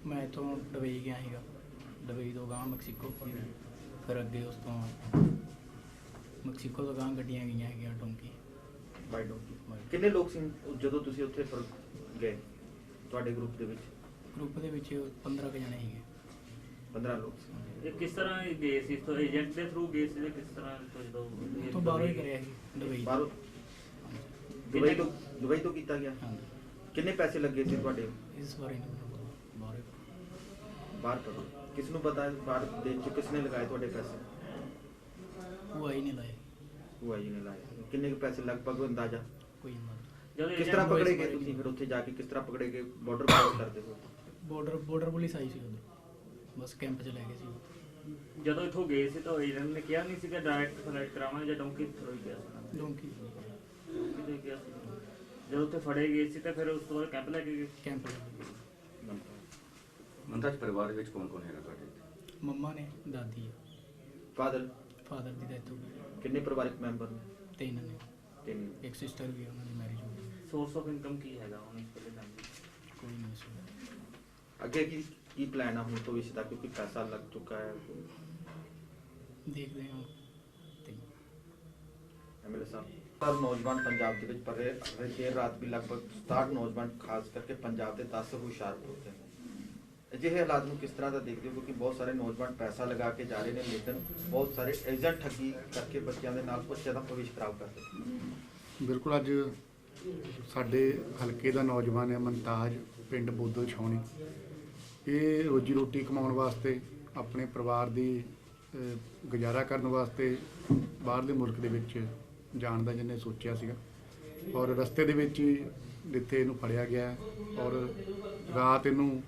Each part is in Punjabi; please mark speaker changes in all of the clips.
Speaker 1: मैं तो दुबई गया ਸੀਗਾ। दुबई तो ਗਾਂ ਮੈਕਸੀਕੋ, ਫਿਰ ਅੱਗੇ ਉਸ ਤੋਂ ਮੈਕਸੀਕੋ ਤੋਂ ਗਾਂ ਗੱਡੀਆਂ ਗਈਆਂ ਹੈਗੀਆਂ ਡੋਂਕੀ।
Speaker 2: ਬਾਈ ਡੋਂਕੀ। ਕਿੰਨੇ ਲੋਕ ਸੀ ਜਦੋਂ ਤੁਸੀਂ ਉੱਥੇ ਫਿਰ ਗਏ ਤੁਹਾਡੇ ਗਰੁੱਪ ਦੇ ਵਿੱਚ?
Speaker 1: ਗਰੁੱਪ ਦੇ ਵਿੱਚ 15 ਕੁ ਜਣੇ ਸੀਗੇ।
Speaker 2: 15 ਲੋਕ ਸੀ।
Speaker 3: ਇਹ ਕਿਸ ਤਰ੍ਹਾਂ ਗਏ ਸੀ? ਤੋਂ ਏਜੰਟ ਦੇ ਥਰੂ ਗਏ ਸੀ ਜਾਂ ਕਿਸ ਤਰ੍ਹਾਂ ਤੋਂ? ਜਦੋਂ
Speaker 1: ਤੋਂ ਬਾਹਰੋਂ ਹੀ ਕਰਿਆ ਸੀ ਦੁਬਈ।
Speaker 2: ਬਾਹਰੋਂ ਦੁਬਈ ਤੋਂ ਕੀਤਾ ਗਿਆ?
Speaker 1: ਹਾਂਜੀ।
Speaker 2: ਕਿੰਨੇ ਪੈਸੇ ਲੱਗੇ ਸੀ ਤੁਹਾਡੇ?
Speaker 1: ਇਸ ਬਾਰੇ ਨਹੀਂ ਮੈਨੂੰ ਪਤਾ।
Speaker 2: ਬਾਹਰ ਪਤਾ ਕਿਸ ਨੂੰ ਪਤਾ ਹੈ? ਬਾਹਰ ਦੇਸ਼ 'ਚ ਕਿਸ ਨੇ ਲਗਾਏ ਤੁਹਾਡੇ ਪੈਸੇ?
Speaker 1: ਉਹ ਆਈ ਨਹੀਂ ਲਾਏ।
Speaker 2: ਉਹ ਆਈ ਨੇ ਲਾਏ। ਕਿੰਨੇ ਕੁ ਪੈਸੇ ਲਗਭਗ ਅੰਦਾਜ਼ਾ?
Speaker 1: ਕੋਈ ਨਹੀਂ।
Speaker 3: ਜਦੋਂ
Speaker 2: ਕਿਸ ਤਰ੍ਹਾਂ ਪਕੜੇ ਗਏ ਤੁਸੀਂ ਫਿਰ ਉੱਥੇ ਜਾ ਕੇ? ਕਿਸ ਤਰ੍ਹਾਂ ਪਕੜੇ ਗਏ? ਬਾਰਡਰ ਪਾਰ ਕਰਦੇ ਹੋ?
Speaker 1: ਬਾਰਡਰ ਪੁਲਿਸ ਆਈ ਸੀ ਉਧਰ, ਬਸ ਕੈਂਪ 'ਚ ਲੈ ਗਏ ਸੀ।
Speaker 3: ਜਦੋਂ ਇੱਥੋਂ ਗਏ ਸੀ ਤਾਂ ਏਜੰਟ ਨੇ ਕਿਹਾ ਨਹੀਂ ਸੀਗਾ ਡਾਇਰੈਕਟ ਫਲਾਈਟ ਕਰਾਵਾਂਗੇ ਜਾਂ ਡੋਂਕੀ ਥਰੂ ਹੀ ਗਿਆ ਸੀ?
Speaker 1: ਡੋਂਕੀ
Speaker 3: ਕਿਤੇ ਗਿਆ ਸੀ। ਜਦੋਂ ਉੱਥੇ ਫੜੇ ਗਏ ਸੀ ਤਾਂ ਫਿਰ ਉਸ ਤੋਂ ਬਾਅਦ ਕੈਂਪ ਲੈ ਕੇ ਗਏ?
Speaker 1: ਕੈਂਪ ਲੈ ਗਏ।
Speaker 4: ਮੰਤਾਜ ਪਰਿਵਾਰ ਵਿੱਚ ਕੌਣ ਕੌਣ ਹੈਗਾ ਤੁਹਾਡੇ?
Speaker 1: ਮੰਮਾ ਨੇ, ਦਾਦੀ ਆ,
Speaker 2: ਫਾਦਰ
Speaker 1: ਫਾਦਰ ਦੀ ਡੈਥ ਹੋ ਗਈ।
Speaker 2: ਕਿੰਨੇ ਪਰਿਵਾਰਕ ਮੈਂਬਰ ਨੇ?
Speaker 1: 3 ਨੇ।
Speaker 2: ਤਿੰਨ।
Speaker 1: ਇੱਕ ਸਿਸਟਰ ਵੀ ਆ, ਉਹਨਾਂ ਦੀ ਮੈਰਿਜ ਹੋ ਗਈ।
Speaker 3: ਸੋਰਸ ਆਫ ਇਨਕਮ ਕੀ ਹੈਗਾ ਹੁਣ ਇਸ ਵੇਲੇ ਦਾ?
Speaker 1: ਕੋਈ ਨਹੀਂ ਸੀ।
Speaker 2: ਅੱਗੇ ਕੀ ਪਲਾਨ ਹੈ ਹੁਣ ਭਵਿੱਖ ਦਾ, ਕਿਉਂਕਿ ਪੈਸਾ ਲੱਗ ਚੁੱਕਾ ਹੈ?
Speaker 1: ਦੇਖਦੇ ਹਾਂ। ਤੇ
Speaker 2: ਐਮਐਲਏ ਸਾਹਿਬ, ਹਰ ਨੌਜਵਾਨ ਪੰਜਾਬ ਦੇ ਵਿੱਚ ਪੜ ਰਹੇ ਦੇਰ ਰਾਤ ਵੀ ਲਗਭਗ 67 ਨੌਜਵਾਨ ਖਾਸ ਕਰਕੇ ਪੰਜਾਬ ਦੇ 10 ਹੁਸ਼ਿਆਰਪੁਰ ਦੇ ਨੇ। ਅਜਿਹੇ ਹਾਲਾਤ ਨੂੰ ਕਿਸ ਤਰ੍ਹਾਂ ਦਾ ਦੇਖਦੇ ਹੋ? ਕਿਉਂਕਿ ਬਹੁਤ ਸਾਰੇ ਨੌਜਵਾਨ ਪੈਸਾ ਲਗਾ ਕੇ ਜਾ ਰਹੇ ਨੇ, ਲੇਕਿਨ ਬਹੁਤ ਸਾਰੇ ਏਜੰਟ ਠੱਗੀ ਕਰਕੇ ਬੱਚਿਆਂ ਦੇ ਨਾਲ ਬੱਚਿਆਂ ਦਾ ਭਵਿੱਖ ਖਰਾਬ ਕਰਦੇ।
Speaker 5: ਬਿਲਕੁਲ। ਅੱਜ ਸਾਡੇ ਹਲਕੇ ਦਾ ਨੌਜਵਾਨ ਹੈ ਮਨਤਾਜ, ਪਿੰਡ ਬੋਦਲ ਛਾਉਣੀ। ਇਹ ਰੋਜੀ ਰੋਟੀ ਕਮਾਉਣ ਵਾਸਤੇ, ਆਪਣੇ ਪਰਿਵਾਰ ਦੀ ਗੁਜ਼ਾਰਾ ਕਰਨ ਵਾਸਤੇ ਬਾਹਰਲੇ ਮੁਲਕ ਦੇ ਵਿੱਚ ਜਾਣ ਦਾ ਜਿਹਨੇ ਸੋਚਿਆ ਸੀਗਾ, ਔਰ ਰਸਤੇ ਦੇ ਵਿੱਚ ਹੀ ਜਿੱਥੇ ਇਹਨੂੰ ਫੜਿਆ ਗਿਆ ਔਰ ਰਾਤ ਇਹਨੂੰ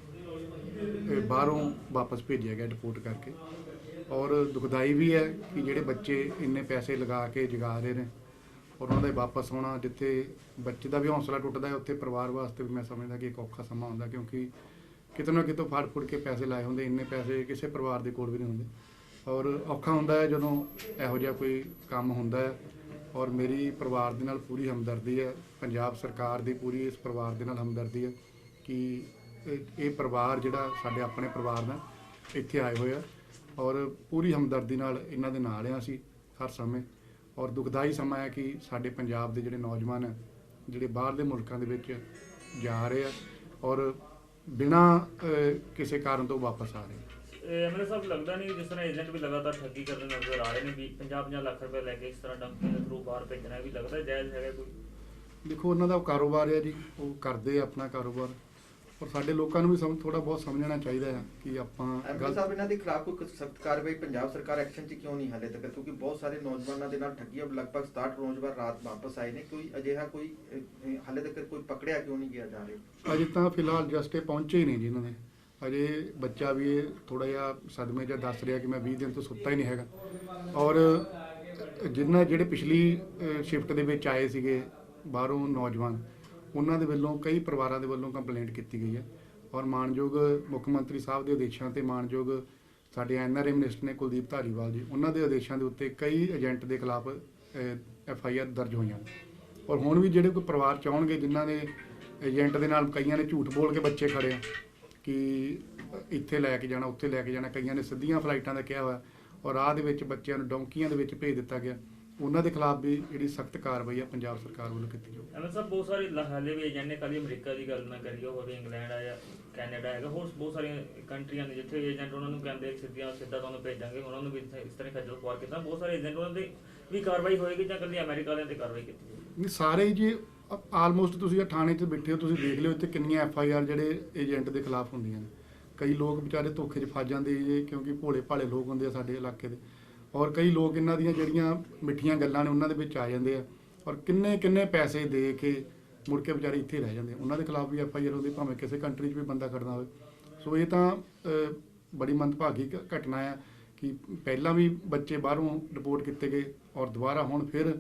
Speaker 5: ਬਾਹਰੋਂ ਵਾਪਸ ਭੇਜਿਆ ਗਿਆ ਡਿਪੋਰਟ ਕਰਕੇ। ਔਰ ਦੁਖਦਾਈ ਵੀ ਹੈ ਕਿ ਜਿਹੜੇ ਬੱਚੇ ਇੰਨੇ ਪੈਸੇ ਲਗਾ ਕੇ ਜਗਾ ਰਹੇ ਨੇ ਔਰ ਉਹਨਾਂ ਦਾ ਵਾਪਸ ਆਉਣਾ, ਜਿੱਥੇ ਬੱਚੇ ਦਾ ਵੀ ਹੌਸਲਾ ਟੁੱਟਦਾ ਹੈ, ਉੱਥੇ ਪਰਿਵਾਰ ਵਾਸਤੇ ਵੀ ਮੈਂ ਸਮਝਦਾ ਕਿ ਇੱਕ ਔਖਾ ਸਮਾਂ ਹੁੰਦਾ, ਕਿਉਂਕਿ ਕਿਤੇ ਨਾ ਕਿਤੋਂ ਫੜ ਫੁੜ ਕੇ ਪੈਸੇ ਲਾਏ ਹੁੰਦੇ। ਇੰਨੇ ਪੈਸੇ ਕਿਸੇ ਪਰਿਵਾਰ ਦੇ ਕੋਲ ਵੀ ਨਹੀਂ ਹੁੰਦੇ ਔਰ ਔਖਾ ਹੁੰਦਾ ਹੈ ਜਦੋਂ ਇਹੋ ਜਿਹਾ ਕੋਈ ਕੰਮ ਹੁੰਦਾ ਹੈ। ਔਰ ਮੇਰੀ ਪਰਿਵਾਰ ਦੇ ਨਾਲ ਪੂਰੀ ਹਮਦਰਦੀ ਹੈ, ਪੰਜਾਬ ਸਰਕਾਰ ਦੀ ਪੂਰੀ ਇਸ ਪਰਿਵਾਰ ਦੇ ਨਾਲ ਹਮਦਰਦੀ ਹੈ ਕਿ ਇਹ ਪਰਿਵਾਰ ਜਿਹੜਾ ਸਾਡੇ ਆਪਣੇ ਪਰਿਵਾਰ ਦਾ ਇੱਥੇ ਆਏ ਹੋਏ ਆ ਔਰ ਪੂਰੀ ਹਮਦਰਦੀ ਨਾਲ ਇਹਨਾਂ ਦੇ ਨਾਲ ਆ ਅਸੀਂ ਹਰ ਸਮੇਂ। ਔਰ ਦੁਖਦਾਈ ਸਮਾਂ ਹੈ ਕਿ ਸਾਡੇ ਪੰਜਾਬ ਦੇ ਜਿਹੜੇ ਨੌਜਵਾਨ ਹੈ, ਜਿਹੜੇ ਬਾਹਰਲੇ ਮੁਲਕਾਂ ਦੇ ਵਿੱਚ ਜਾ ਰਹੇ ਆ ਔਰ ਬਿਨਾਂ ਕਿਸੇ ਕਾਰਨ ਤੋਂ ਵਾਪਸ ਆ ਰਹੇ।
Speaker 3: ਐਮਐਲਏ ਸਾਹਿਬ, ਲੱਗਦਾ ਨਹੀਂ ਜਿਸ ਤਰ੍ਹਾਂ ਏਜੰਟ ਵੀ ਲਗਾਤਾਰ ਠੱਗੀ ਕਰਦੇ ਨਜ਼ਰ ਆ ਰਹੇ ਨੇ ਵੀ 50-50 ਲੱਖ ਰੁਪਏ ਲੈ ਕੇ ਇਸ ਤਰ੍ਹਾਂ ਡੰਕੀ ਦੇ ਥਰੂ ਬਾਹਰ ਭੇਜਣਾ ਵੀ ਲੱਗਦਾ ਜਾਇਜ਼ ਹੈਗਾ ਕੋਈ?
Speaker 5: ਦੇਖੋ, ਉਹਨਾਂ ਦਾ ਕਾਰੋਬਾਰ ਹੈ ਜੀ, ਉਹ ਕਰਦੇ ਆ ਆਪਣਾ ਕਾਰੋਬਾਰ। ਔਰ ਸਾਡੇ ਲੋਕਾਂ ਨੂੰ ਵੀ ਥੋੜਾ ਬਹੁਤ ਸਮਝਣਾ ਚਾਹੀਦਾ ਹੈ ਕਿ ਆਪਾਂ
Speaker 2: ਐਮਐਲਏ ਸਾਹਿਬ, ਇਹਨਾਂ ਦੇ ਖਿਲਾਫ ਕੋਈ ਸਖਤ ਕਾਰਵਾਈ ਪੰਜਾਬ ਸਰਕਾਰ ਐਕਸ਼ਨ 'ਚ ਕਿਉਂ ਨਹੀਂ ਹਾਲੇ ਤੱਕ? ਕਿਉਂਕਿ ਬਹੁਤ ਸਾਰੇ ਨੌਜਵਾਨਾਂ ਦੇ ਨਾਲ ਠੱਗੀ, ਲਗਭਗ 67 ਨੌਜਵਾਨ ਰਾਤ ਵਾਪਸ ਆਏ ਨੇ। ਕੋਈ ਅਜਿਹਾ ਕੋਈ ਹਾਲੇ ਤੱਕ ਕੋਈ ਪਕੜਿਆ ਕਿਉਂ ਨਹੀਂ ਗਿਆ ਜਾ ਰਿਹਾ?
Speaker 5: ਅਜੇ ਤਾਂ ਫਿਲਹਾਲ ਜਸਟ ਇਹ ਪਹੁੰਚੇ ਹੀ ਨਹੀਂ ਜੀ ਇਹਨਾਂ ਦੇ। ਅਜੇ ਬੱਚਾ ਵੀ ਇਹ ਥੋੜਾ ਜਿਹਾ ਸਦਮੇ 'ਚ ਦੱਸ ਰਿਹਾ ਕਿ ਮੈਂ 20 ਦਿਨ ਤੋਂ ਸੁੱਤਾ ਹੀ ਨਹੀਂ ਹੈਗਾ। ਔਰ ਜਿਹੜੇ ਪਿਛਲੀ ਸ਼ਿਫਟ ਦੇ ਵਿੱਚ ਆਏ ਸੀਗੇ ਬਾਹਰੋਂ ਨੌਜਵਾਨ, ਉਹਨਾਂ ਦੇ ਵੱਲੋਂ ਕਈ ਪਰਿਵਾਰਾਂ ਦੇ ਵੱਲੋਂ ਕੰਪਲੇਂਟ ਕੀਤੀ ਗਈ ਹੈ ਔਰ ਮਾਨਯੋਗ ਮੁੱਖ ਮੰਤਰੀ ਸਾਹਿਬ ਦੇ ਆਦੇਸ਼ਾਂ ਤੇ ਮਾਨਯੋਗ ਸਾਡੇ ਐਨਆਰਏ ਮਿਨਿਸਟਰ ਨੇ ਕੁਲਦੀਪ ਧਾਲੀਵਾਲ ਜੀ, ਉਹਨਾਂ ਦੇ ਆਦੇਸ਼ਾਂ ਦੇ ਉੱਤੇ ਕਈ ਏਜੰਟ ਦੇ ਖਿਲਾਫ FIR ਦਰਜ ਹੋਈਆਂ ਨੇ। ਔਰ ਹੁਣ ਵੀ ਜਿਹੜੇ ਕੋਈ ਪਰਿਵਾਰ ਚਾਹਣਗੇ ਜਿਨ੍ਹਾਂ ਨੇ ਏਜੰਟ ਦੇ ਨਾਲ, ਕਈਆਂ ਨੇ ਝੂਠ ਬੋਲ ਕੇ ਬੱਚੇ ਖੜੇ ਆ ਕਿ ਇੱਥੇ ਲੈ ਕੇ ਜਾਣਾ, ਉੱਥੇ ਲੈ ਕੇ ਜਾਣਾ, ਕਈਆਂ ਨੇ ਸਿੱਧੀਆਂ ਫਲਾਈਟਾਂ ਦਾ ਕਿਹਾ ਹੋਇਆ ਔਰ ਰਾਹ ਦੇ ਵਿੱਚ ਬੱਚਿਆਂ ਨੂੰ ਡੌਂਕੀਆਂ ਦੇ ਵਿੱਚ ਭੇਜ ਦਿੱਤਾ ਗਿਆ। ਉਹਨਾਂ ਦੇ ਖਿਲਾਫ ਵੀ ਜਿਹੜੀ ਸਖਤ ਕਾਰਵਾਈ ਆ ਪੰਜਾਬ ਸਰਕਾਰ ਵੱਲੋਂ ਕੀਤੀ ਜਾਊਗੀ।
Speaker 3: ਐਮਐਲਏ ਸਾਹਿਬ, ਬਹੁਤ ਸਾਰੇ ਹਾਲੇ ਵੀ ਏਜੰਟ ਨੇ, ਕੱਲ੍ਹ ਅਮਰੀਕਾ ਦੀ ਗੱਲ ਨਾ ਕਰੀਏ, ਹੋਵੇ ਇੰਗਲੈਂਡ ਆ ਜਾਂ ਕੈਨੇਡਾ ਹੈਗਾ, ਹੋਰ ਬਹੁਤ ਸਾਰੀਆਂ ਕੰਟਰੀਆਂ ਨੇ ਜਿੱਥੇ ਏਜੰਟ ਉਹਨਾਂ ਨੂੰ ਕਹਿੰਦੇ ਸਿੱਧਾ ਤੁਹਾਨੂੰ ਭੇਜਾਂਗੇ, ਉਹਨਾਂ ਨੂੰ ਵੀ ਇਸ ਤਰ੍ਹਾਂ ਖੱਜਲ ਖੁਆਰ ਕੀਤਾ। ਬਹੁਤ ਸਾਰੇ ਏਜੰਟ ਉਹਨਾਂ ਦੇ ਵੀ ਕਾਰਵਾਈ ਹੋਏਗੀ ਜਾਂ ਇਕੱਲੀ ਅਮਰੀਕਾ ਵਾਲਿਆਂ 'ਤੇ ਕਾਰਵਾਈ ਕੀਤੀ ਜਾਏਗੀ?
Speaker 5: ਨਹੀਂ, ਸਾਰੇ ਜੀ ਆਲਮੋਸਟ ਤੁਸੀਂ ਥਾਣੇ 'ਚ ਬੈਠੇ ਹੋ, ਤੁਸੀਂ ਦੇਖ ਲਿਓ ਇੱਥੇ ਕਿੰਨੀਆਂ FIR ਜਿਹੜੇ ਏਜੰਟ ਦੇ ਖਿਲਾਫ ਹੁੰਦੀਆਂ ਨੇ। ਕਈ ਲੋਕ ਵਿਚਾਰੇ ਧੋਖੇ 'ਚ ਫਸ ਜਾਂਦੇ ਜੀ, ਕਿਉਂਕਿ ਭੋਲੇ ਭਾਲੇ ਲੋਕ ਹੁੰਦੇ ਆ ਸਾਡੇ ਇਲਾਕੇ ਦੇ। ਔਰ ਕਈ ਲੋਕ ਇਹਨਾਂ ਦੀਆਂ ਜਿਹੜੀਆਂ ਮਿੱਠੀਆਂ ਗੱਲਾਂ ਨੇ ਉਹਨਾਂ ਦੇ ਵਿੱਚ ਆ ਜਾਂਦੇ ਆ ਔਰ ਕਿੰਨੇ ਪੈਸੇ ਦੇ ਕੇ ਮੁੜ ਕੇ ਵਿਚਾਰੇ ਇੱਥੇ ਰਹਿ ਜਾਂਦੇ। ਉਹਨਾਂ ਦੇ ਖਿਲਾਫ ਵੀ FIR ਹੁੰਦੀ, ਭਾਵੇਂ ਕਿਸੇ ਕੰਟਰੀ 'ਚ ਵੀ ਬੰਦਾ ਖੜਨਾ ਹੋਵੇ। ਸੋ ਇਹ ਤਾਂ ਬੜੀ ਮੰਦਭਾਗੀ ਘਟਨਾ ਆ ਕਿ ਪਹਿਲਾਂ ਵੀ ਬੱਚੇ ਬਾਹਰੋਂ ਰਿਪੋਰਟ ਕੀਤੇ ਗਏ ਔਰ ਦੁਬਾਰਾ ਹੁਣ ਫਿਰ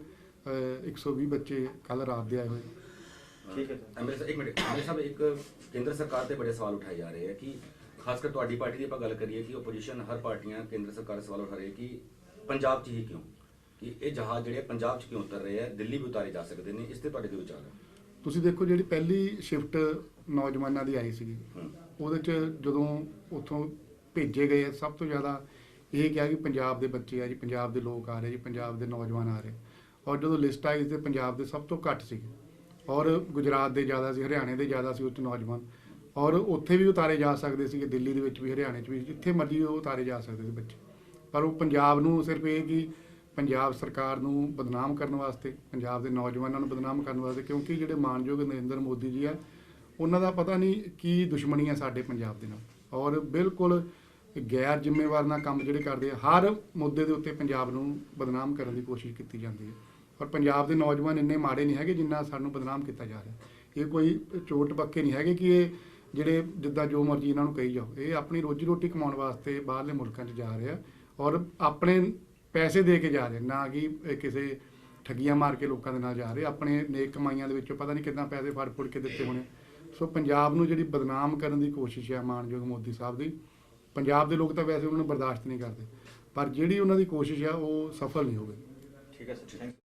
Speaker 5: 120 ਬੱਚੇ ਕੱਲ੍ਹ ਰਾਤ ਦੇ ਆਏ ਹੋਏ।
Speaker 2: ਠੀਕ ਹੈ
Speaker 4: ਐਮਐਲਏ ਸਾਹਿਬ, ਇੱਕ ਮਿੰਟ। ਐਮਐਲਏ ਸਾਹਿਬ, ਇੱਕ ਕੇਂਦਰ ਸਰਕਾਰ ਤੇ ਬੜੇ ਸਵਾਲ ਉਠਾਏ ਜਾ ਰਹੇ ਹੈ ਕਿ ਖਾਸ ਕਰ ਤੁਹਾਡੀ ਪਾਰਟੀ ਦੀ ਆਪਾਂ ਗੱਲ ਕਰੀਏ ਕਿ ਓਪੋਜੀਸ਼ਨ ਹਰ ਪਾਰਟੀਆਂ ਕੇਂਦਰ ਸਰਕਾਰ ਸਵਾਲ ਉਠਾ ਰਹੀ ਹੈ ਕਿ ਪੰਜਾਬ 'ਚ ਹੀ ਕਿਉਂ, ਕਿ ਇਹ ਜਹਾਜ਼ ਜਿਹੜੇ ਪੰਜਾਬ 'ਚ ਕਿਉਂ ਉਤਰ ਰਹੇ ਹੈ, ਦਿੱਲੀ ਵੀ ਉਤਾਰੇ ਜਾ ਸਕਦੇ ਨੇ। ਇਸ ਤੇ ਤੁਹਾਡੇ ਕੀ ਵਿਚਾਰ ਹੈ?
Speaker 5: ਤੁਸੀਂ ਦੇਖੋ, ਜਿਹੜੀ ਪਹਿਲੀ ਸ਼ਿਫਟ ਨੌਜਵਾਨਾਂ ਦੀ ਆਈ ਸੀਗੀ ਉਹਦੇ 'ਚ ਜਦੋਂ ਉੱਥੋਂ ਭੇਜੇ ਗਏ ਸਭ ਤੋਂ ਜ਼ਿਆਦਾ ਇਹ ਕਿਹਾ ਕਿ ਪੰਜਾਬ ਦੇ ਬੱਚੇ ਆ ਜੀ, ਪੰਜਾਬ ਦੇ ਲੋਕ ਆ ਰਹੇ ਜੀ, ਪੰਜਾਬ ਦੇ ਨੌਜਵਾਨ ਆ ਰਹੇ। ਔਰ ਜਦੋਂ ਲਿਸਟ ਆਈ ਤੇ ਪੰਜਾਬ ਦੇ ਸਭ ਤੋਂ ਘੱਟ ਸੀ, ਔਰ ਗੁਜਰਾਤ ਦੇ ਜ਼ਿਆਦਾ ਸੀ, ਹਰਿਆਣੇ ਦੇ ਜ਼ਿਆਦਾ ਸੀ ਉੱਚ ਨੌਜਵਾਨ, ਔਰ ਉੱਥੇ ਵੀ ਉਤਾਰੇ ਜਾ ਸਕਦੇ ਸੀ, ਦਿੱਲੀ ਦੇ ਵਿੱਚ ਵੀ, ਹਰਿਆਣੇ 'ਚ ਵੀ, ਜਿੱਥੇ ਮਰਜ਼ੀ ਉਹ ਉਤਾਰੇ ਜਾ ਸਕਦੇ ਸੀ ਬੱਚੇ। ਪਰ ਉਹ ਪੰਜਾਬ ਨੂੰ ਸਿਰਫ ਇਹ ਕਿ ਪੰਜਾਬ ਸਰਕਾਰ ਨੂੰ ਬਦਨਾਮ ਕਰਨ ਵਾਸਤੇ, ਪੰਜਾਬ ਦੇ ਨੌਜਵਾਨਾਂ ਨੂੰ ਬਦਨਾਮ ਕਰਨ ਵਾਸਤੇ, ਕਿਉਂਕਿ ਜਿਹੜੇ ਮਾਨਯੋਗ ਨਰਿੰਦਰ ਮੋਦੀ ਜੀ ਆ, ਉਹਨਾਂ ਦਾ ਪਤਾ ਨਹੀਂ ਕੀ ਦੁਸ਼ਮਣੀ ਆ ਸਾਡੇ ਪੰਜਾਬ ਦੇ ਨਾਲ, ਔਰ ਬਿਲਕੁਲ ਗੈਰ ਜ਼ਿੰਮੇਵਾਰ ਨਾਲ ਕੰਮ ਜਿਹੜੇ ਕਰਦੇ ਆ। ਹਰ ਮੁੱਦੇ ਦੇ ਉੱਤੇ ਪੰਜਾਬ ਨੂੰ ਬਦਨਾਮ ਕਰਨ ਦੀ ਕੋਸ਼ਿਸ਼ ਕੀਤੀ ਜਾਂਦੀ ਹੈ, ਔਰ ਪੰਜਾਬ ਦੇ ਨੌਜਵਾਨ ਇੰਨੇ ਮਾੜੇ ਨਹੀਂ ਹੈਗੇ ਜਿੰਨਾ ਸਾਨੂੰ ਬਦਨਾਮ ਕੀਤਾ ਜਾ ਰਿਹਾ। ਇਹ ਕੋਈ ਚੋਟ ਪੱਕੇ ਨਹੀਂ ਹੈਗੇ ਕਿ ਇਹ ਜਿਹੜੇ ਜਿੱਦਾਂ ਜੋ ਮਰਜ਼ੀ ਇਹਨਾਂ ਨੂੰ ਕਹੀ ਜਾਓ, ਇਹ ਆਪਣੀ ਰੋਜੀ ਰੋਟੀ ਕਮਾਉਣ ਵਾਸਤੇ ਬਾਹਰਲੇ ਮੁਲਕਾਂ 'ਚ ਜਾ ਰਹੇ ਆ, ਔਰ ਆਪਣੇ ਪੈਸੇ ਦੇ ਕੇ ਜਾ ਰਹੇ, ਨਾ ਕਿ ਇਹ ਕਿਸੇ ਠੱਗੀਆਂ ਮਾਰ ਕੇ ਲੋਕਾਂ ਦੇ ਨਾਲ ਜਾ ਰਹੇ। ਆਪਣੇ ਨੇਕ ਕਮਾਈਆਂ ਦੇ ਵਿੱਚੋਂ ਪਤਾ ਨਹੀਂ ਕਿੰਨਾ ਪੈਸੇ ਫੜ ਫੁੜ ਕੇ ਦਿੱਤੇ ਹੋਣੇ। ਸੋ ਪੰਜਾਬ ਨੂੰ ਜਿਹੜੀ ਬਦਨਾਮ ਕਰਨ ਦੀ ਕੋਸ਼ਿਸ਼ ਹੈ ਮਾਨਯੋਗ ਮੋਦੀ ਸਾਹਿਬ ਦੀ, ਪੰਜਾਬ ਦੇ ਲੋਕ ਤਾਂ ਵੈਸੇ ਉਹਨਾਂ ਨੂੰ ਬਰਦਾਸ਼ਤ ਨਹੀਂ ਕਰਦੇ, ਪਰ ਜਿਹੜੀ ਉਹਨਾਂ ਦੀ ਕੋਸ਼ਿਸ਼ ਆ ਉਹ ਸਫਲ ਨਹੀਂ ਹੋਵੇ।
Speaker 2: ਠੀਕ ਹੈ ਸਰ, ਥੈਂਕ ਯੂ।